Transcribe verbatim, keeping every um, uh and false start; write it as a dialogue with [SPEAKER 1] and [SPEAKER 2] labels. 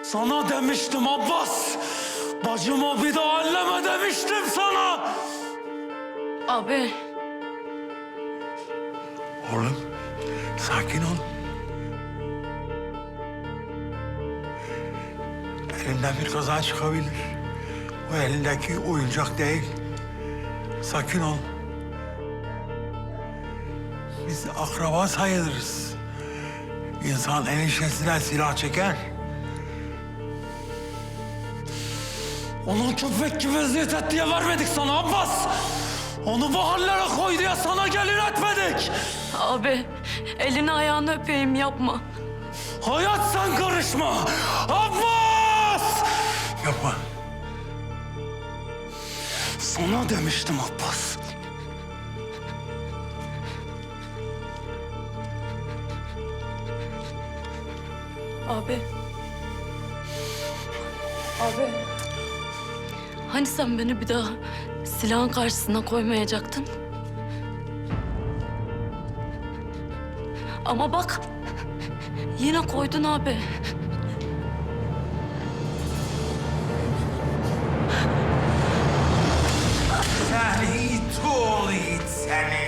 [SPEAKER 1] Sana demiştim Abbas. Bacımı bir daha elleme demiştim sana.
[SPEAKER 2] Abi.
[SPEAKER 3] Oğlum, sakin ol. Elinden bir kaza çıkabilir. O elindeki oyuncak değil. Sakin ol. Biz akraba sayılırız. İnsan eniştesine silah çeker.
[SPEAKER 1] Onun köpek gibi eziyet et diye vermedik sana Abbas. Onu bu hallere koy diye sana gelin etmedik.
[SPEAKER 2] Abi elini ayağını öpeyim yapma.
[SPEAKER 1] Hayat sen karışma. Abbas!
[SPEAKER 3] Yapma.
[SPEAKER 1] Sana demiştim Abbas.
[SPEAKER 2] Abi. Abi. Hani sen beni bir daha silahın karşısına koymayacaktın? Ama bak yine koydun abi.
[SPEAKER 3] Sen it oğlu it seni.